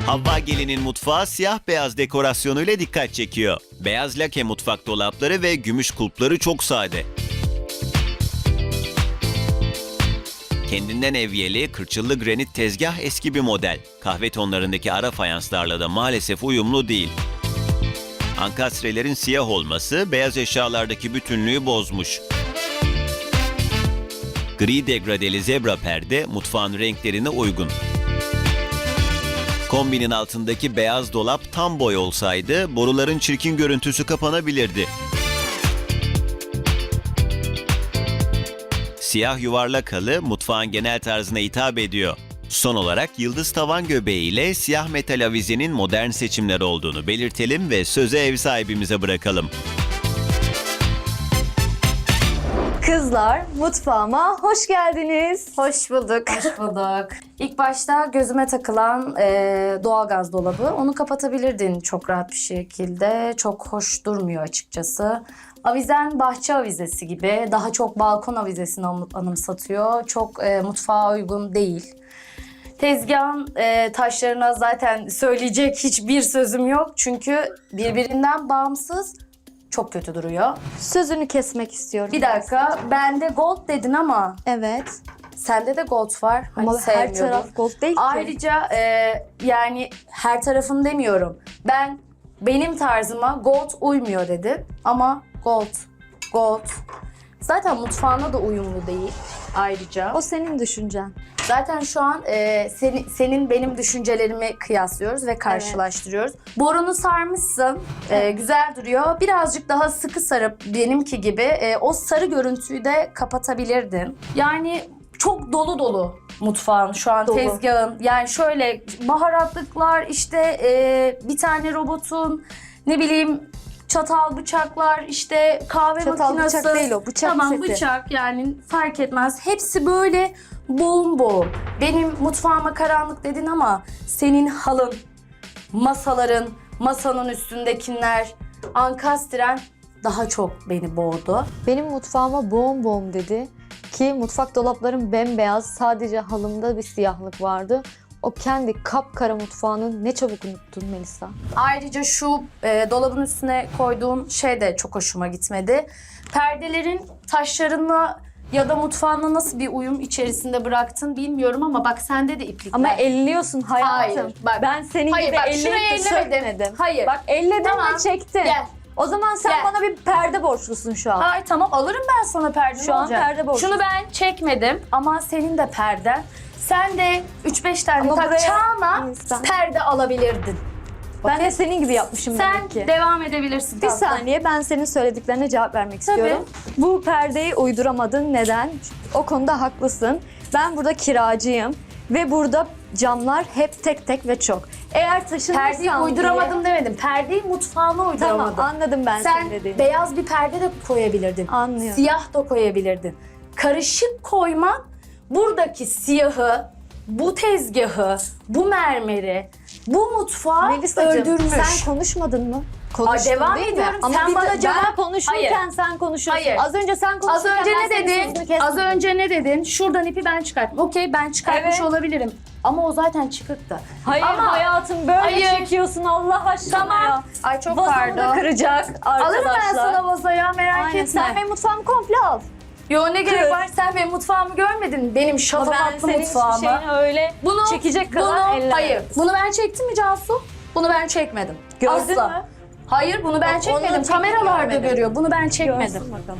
Havva Gelin'in mutfağı siyah beyaz dekorasyonuyla dikkat çekiyor. Beyaz lake mutfak dolapları ve gümüş kulpları çok sade. Kendinden evyeli, kırçıllı granit tezgah eski bir model. Kahve tonlarındaki ara fayanslarla da maalesef uyumlu değil. Ankastrelerin siyah olması beyaz eşyalardaki bütünlüğü bozmuş. Gri degradeli zebra perde mutfağın renklerine uygun. Kombinin altındaki beyaz dolap tam boy olsaydı boruların çirkin görüntüsü kapanabilirdi. Siyah yuvarlak halı mutfağın genel tarzına hitap ediyor. Son olarak yıldız tavan göbeği ile siyah metal avizenin modern seçimler olduğunu belirtelim ve sözü ev sahibimize bırakalım. Kızlar, mutfağıma hoş geldiniz. Hoş bulduk. Hoş bulduk. İlk başta gözüme takılan doğalgaz dolabı. Onu kapatabilirdin çok rahat bir şekilde. Çok hoş durmuyor açıkçası. Avizen bahçe avizesi gibi. Daha çok balkon avizesini anımsatıyor. Çok mutfağa uygun değil. Tezgahın taşlarına zaten söyleyecek hiçbir sözüm yok. Çünkü birbirinden bağımsız çok kötü duruyor. Sözünü kesmek istiyorum. Bir dakika, bende gold dedin ama Evet. sende de gold var. Hani Ama her sevmiyordun. taraf gold değil ki. Ayrıca yani her tarafım demiyorum. Benim tarzıma gold uymuyor dedin ama gold. Zaten mutfağına da uyumlu değil ayrıca. O senin düşüncen. Zaten şu an senin benim düşüncelerimi kıyaslıyoruz ve karşılaştırıyoruz. Borunu sarmışsın, güzel duruyor. Birazcık daha sıkı sarıp benimki gibi o sarı görüntüyü de kapatabilirdin. Yani çok dolu dolu mutfağın şu an Dolu. tezgahın. Yani şöyle baharatlıklar işte bir tane robotun ne bileyim çatal bıçaklar işte kahve Çatal makinesi. bıçak değil o, bıçak Tamam seti. bıçak yani fark etmez. Hepsi böyle boğum. Benim mutfağıma karanlık dedin ama senin halın, masaların, masanın üstündekiler, ankastren daha çok beni boğdu. Benim mutfağıma boğum boğum dedi ki mutfak dolaplarım bembeyaz, sadece halımda bir siyahlık vardı. O kendi kapkara mutfağını ne çabuk unuttun Melisa. Ayrıca şu dolabın üstüne koyduğun şey de çok hoşuma gitmedi. Perdelerin taşlarınla ya da mutfağınla nasıl bir uyum içerisinde bıraktın bilmiyorum ama bak sende de iplikler. Ama elliyorsun hayatım. Hayır, bak. Ben senin Hayır, gibi bak, elleyip şuraya de ellemedim. sökmedim. Hayır. Bak elledin Tamam. ve çektin. Gel. O zaman sen Gel. bana bir perde borçlusun şu an. Hayır tamam alırım ben sana perde. Şu ne an olacak? perde borçlusun. Şunu ben çekmedim ama senin de perden. Sen de 3-5 tane Ama buraya- takacağına İnsan. perde alabilirdin. Ben de senin gibi yapmışım Sen demek ki. devam edebilirsin. Bir tatlım. saniye, ben senin söylediklerine cevap vermek istiyorum. Bu perdeyi uyduramadın. Neden? O konuda haklısın. Ben burada kiracıyım ve burada camlar hep tek tek ve çok. Eğer taşınırsam Perdeyi uyduramadım demedim. Perdeyi mutfağına uyduramadım. Tamam, anladım ben Sen senin dediğini. beyaz bir perde de koyabilirdin. Anlıyorum. Siyah da koyabilirdin. Karışık koyman buradaki siyahı, bu tezgahı, bu mermeri, bu mutfağı Melisacığım, öldürmüş. sen konuşmadın mı? Konuştun devam değil mi? ediyorum. Ama Sen bir de bana cevap- ben konuşurken Hayır. sen konuşuyorsun. Hayır. Az önce sen Az konuşurken önce ben ne senin dedin? sözünü kesmedim. Az önce ne dedin? Şuradan ipi ben çıkarttım. Okey ben çıkartmış Evet. olabilirim. Ama o zaten çıkıktı. Hayır Ama- hayatım, böyle Hayır. çekiyorsun Allah aşkına Tamam. ya. Ay çok Vazomu da pardon. kıracak arkadaşlar. Alırım ben sana vazoya merak Aynen. etme. Sen benim mutfağımı komple al. Yo ne gerek Kır. var? Sen benim mutfağımı görmedin. Benim Ama ben şatafatlı senin hiçbir mutfağımı. şeyini öyle çekecek kadar ellemedim. Hayır. Bunu ben çektim mi Cansu? Bunu ben çekmedim. Gördün Asla. mü? Hayır bunu ben Bak, çekmedim. onun çektiğini Kameralarda görmedim. görüyor. Bunu ben çekmedim. Görsün bakalım.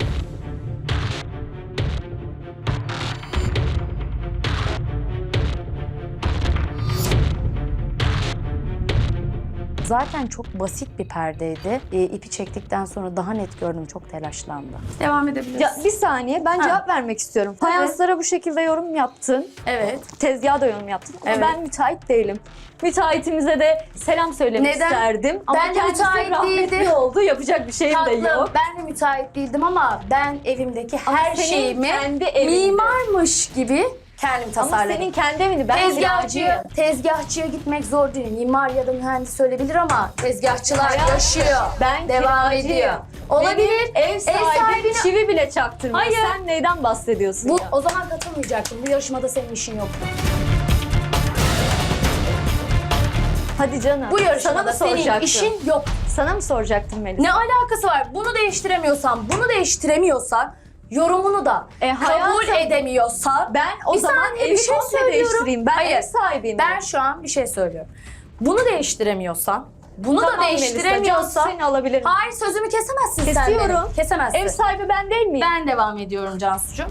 Zaten çok basit bir perdeydi. İpi çektikten sonra daha net gördüm. Çok telaşlandı. Devam edebiliriz. Ya bir saniye, ben cevap vermek istiyorum. Fayanslara bu şekilde yorum yaptın. Evet. Tezgaha da yorum yaptın. Ama Evet. ben müteahhit değilim. Müteahhitimize de selam söylemek Neden? isterdim. Ama Ben de kendisi müteahhit rahmetli değildim. oldu. Yapacak bir şeyim de Tatlım, yok. ben de müteahhit değildim ama ben evimdeki Ama her senin şeyimi kendi evinde. mimarmış gibi kendim Ama tasarladım. senin kendi evini, ben kiracıyım. Tezgahçıya gitmek zor değil. Mimar ya da mühendis söyleyebilir ama tezgahçılar Hayatım, yaşıyor. ben devam kiracıyım. ediyor. Olabilir. Benim ev sahibi sahibine- çivi bile çaktırmıyor. Hayır. Sen neyden bahsediyorsun Bu ya? o zaman katılmayacaktım. Bu yarışmada senin işin yoktu. Hadi canım. Bu Sana mı yarışmada senin soracaktım? işin yok. Sana mı soracaktım Melis? Ne alakası var? Bunu değiştiremiyorsan yorumunu da kabul hayatım, edemiyorsan Ben o Bir zaman saniye, evi bir şey komple söylüyorum. değiştireyim. Ben Hayır, ev sahibiyim. ben şu an bir şey söylüyorum. Bunu değiştiremiyorsan, bunu Tamam da Melisa, değiştiremiyorsan Cansu seni alabilirim. hayır sözümü kesemezsin sen Kesiyorum. benim. Kesemezsin. Ev sahibi ben değil miyim? Ben devam ediyorum Cansucuğum.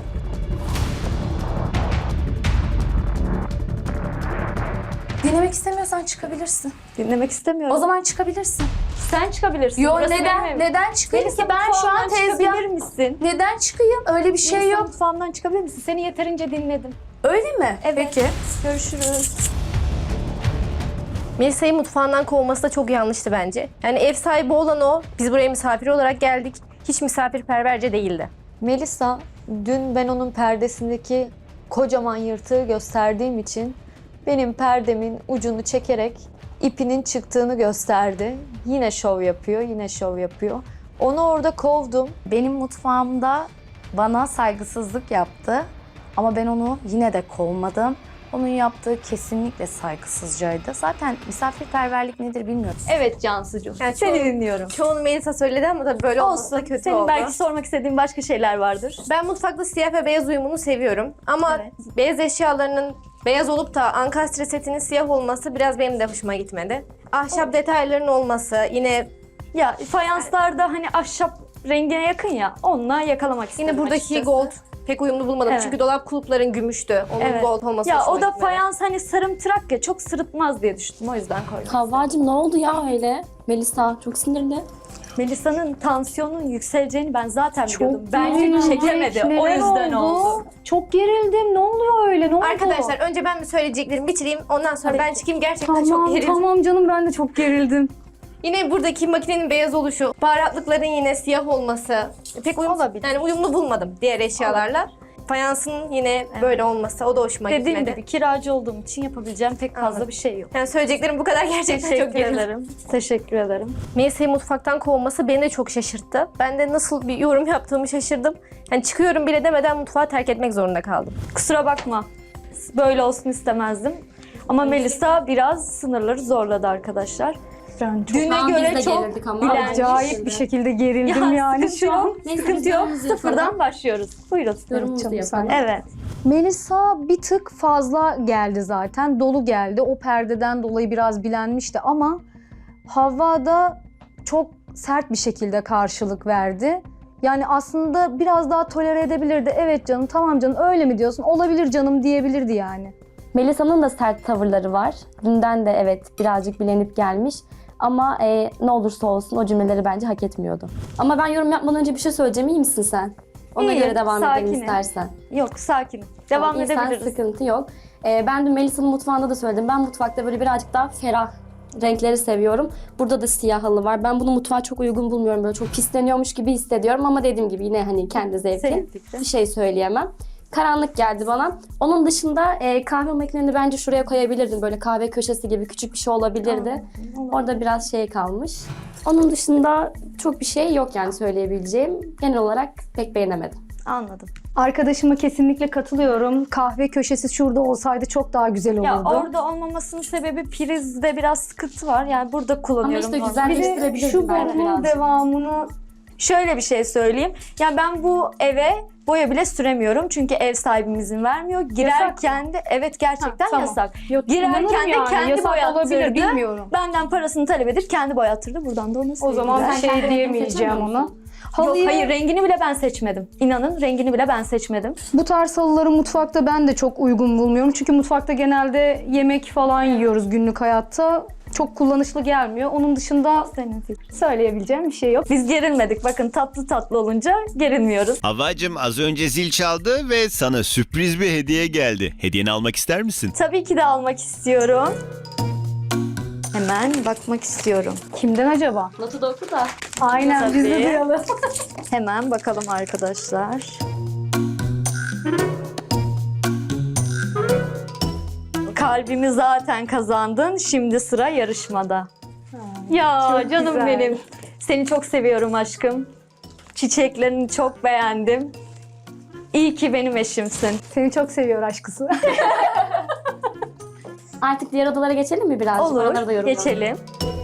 Dinlemek istemiyorsan çıkabilirsin. Dinlemek istemiyorum. O zaman çıkabilirsin. sen çıkabilirsin. Yo Burası benim neden? evim. Neden çıkayım Melisa, ki? Ben şu an mutfağımdan tezgah... çıkabilir misin? Neden çıkayım? Öyle bir şey Melisa, yok. mutfağımdan çıkabilir misin? Seni yeterince dinledim. Öyle mi? Evet. Peki. Görüşürüz. Melisa'yı mutfağından kovması da çok yanlıştı bence. Yani ev sahibi olan o. Biz buraya misafir olarak geldik. Hiç misafirperverce değildi. Melisa, dün ben onun perdesindeki kocaman yırtığı gösterdiğim için benim perdemin ucunu çekerek ipinin çıktığını gösterdi. Yine şov yapıyor, yine şov yapıyor. Onu orada kovdum. Benim mutfağımda bana saygısızlık yaptı. Ama ben onu yine de kovmadım. Onun yaptığı kesinlikle saygısızcaydı. Zaten misafirperverlik nedir bilmiyoruz. Evet Cansucuğum, Yani seni çoğu- dinliyorum. Çoğunu Melisa söyledi ama tabii böyle olması da Olsun, kötü senin oldu. belki sormak istediğin başka şeyler vardır. Ben mutfakta siyah ve beyaz uyumunu seviyorum. Ama Evet. beyaz eşyalarının beyaz olup da ankastre setinin siyah olması biraz benim de hoşuma gitmedi. Ahşap detayların olması yine Ya fayanslarda hani ahşap rengine yakın ya, onunla yakalamak istedim yine buradaki açıkçası. gold pek uyumlu bulmadım. Evet. Çünkü dolap kulpların gümüştü. Onun Evet. gold olması Ya hoşuma o da gitmedi. fayans hani sarımtırak ya, çok sırıtmaz diye düşündüm, o yüzden koydum. Havvacığım ne oldu ya öyle? Melisa çok sinirli. Melisa'nın tansiyonun yükseleceğini ben zaten biliyordum. gerildim. Bence çekemedi. O Neler yüzden oldu. Çok gerildim. Ne oluyor öyle? Ne oldu? Arkadaşlar önce ben bir söyleyeceklerimi bitireyim. Ondan sonra ben çıkayım. Gerçekten çok Tamam, gerildim. tamam canım, ben de çok gerildim. Yine buradaki makinenin beyaz oluşu, baharatlıkların yine siyah olması pek Olabilir. yani uyumlu bulmadım diğer eşyalarla. Fayansın yine böyle olması o da hoşuma Dediğim gitmedi. gibi kiracı olduğum için yapabileceğim pek fazla Anladım. bir şey yok. Yani söyleyeceklerim bu kadar, gerçekten çok Teşekkür gerildim. ederim. Teşekkür ederim. Melisa'yı mutfaktan kovması beni de çok şaşırttı. Ben de nasıl bir yorum yaptığımı şaşırdım. Yani çıkıyorum bile demeden mutfağı terk etmek zorunda kaldım. Kusura bakma. Böyle olsun istemezdim. Ama Melisa biraz sınırları zorladı arkadaşlar. Ben çok Düne Şu an biz göre de çok gerildik ama. bilenmiş. acayip bir şekilde gerildim yani sıkıntı şu an. yok. Neyse, Sıkıntı biz yok. yorumumuzu yapalım. Sıfırdan başlıyoruz. Buyurun. Yorumumuzu Canım, yapalım. Evet. Melisa bir tık fazla geldi zaten. Dolu geldi. O perdeden dolayı biraz bilenmişti ama Havva da çok sert bir şekilde karşılık verdi. Yani aslında biraz daha tolere edebilirdi. Evet canım, tamam canım, öyle mi diyorsun? Olabilir canım diyebilirdi yani. Melisa'nın da sert tavırları var. Dünden de evet birazcık bilenip gelmiş. Ama ne olursa olsun o cümleleri bence hak etmiyordu. Ama ben yorum yapmadan önce bir şey söyleyeceğim. İyi misin sen? Ona İyiyim, göre devam edelim sakinim. istersen. Yok, sakin. Devam İyi, sen edebiliriz. sıkıntı yok. Ben dün Melisa'nın mutfağında da söyledim. Ben mutfakta böyle birazcık daha ferah renkleri seviyorum. Burada da siyah halı var. Ben bunu mutfağa çok uygun bulmuyorum. Böyle çok pisleniyormuş gibi hissediyorum ama dediğim gibi yine hani kendi Senin zevkin. fikrin. Bir şey söyleyemem. Karanlık geldi bana. Onun dışında kahve makineni bence şuraya koyabilirdin. Böyle kahve köşesi gibi küçük bir şey olabilirdi. Orada biraz şey kalmış. Onun dışında çok bir şey yok yani söyleyebileceğim. Genel olarak pek beğenemedim. Anladım. Arkadaşıma kesinlikle katılıyorum. Kahve köşesi şurada olsaydı çok daha güzel olurdu. Ya orada olmamasının sebebi prizde biraz sıkıntı var. Yani burada kullanıyorum. Ama işte normalde. bir de güzelleştirebilirdin şu belki borunun birazcık. devamını Şöyle bir şey söyleyeyim. Yani ben bu eve boya bile süremiyorum. Çünkü ev sahibim izin vermiyor. Girerken de evet gerçekten Ha, tamam. yasak. Yok, Girerken inanırım de yani. kendi Yasak boyattırdı. olabilir, bilmiyorum. Benden parasını talep edip kendi boyattırdı. Buradan da ona O zaman sevgiler. bir Sen şey kendi rengini diyemeyeceğim seçemiyor ona. musun? Yok, hayır, rengini bile ben seçmedim. İnanın rengini bile ben seçmedim. Bu tarz halıları mutfakta ben de çok uygun bulmuyorum. Çünkü mutfakta genelde yemek falan yiyoruz günlük hayatta. Çok kullanışlı gelmiyor. Onun dışında Senin fikrin. söyleyebileceğim bir şey yok. Biz gerilmedik. Bakın tatlı tatlı olunca gerilmiyoruz. Havvacım az önce zil çaldı ve sana sürpriz bir hediye geldi. Hediyeni almak ister misin? Tabii ki de almak istiyorum. Hemen bakmak istiyorum. Kimden acaba? Notu da oku da. Aynen, biz de Tabii. duyalım. Hemen bakalım arkadaşlar. Kalbimi zaten kazandın. Şimdi sıra yarışmada. Ya çok canım güzel. benim. Seni çok seviyorum aşkım. Çiçeklerini çok beğendim. İyi ki benim eşimsin. Seni çok seviyor aşkısı. Artık diğer odalara geçelim mi birazcık? Oraları da Olur, yorumlayalım. geçelim.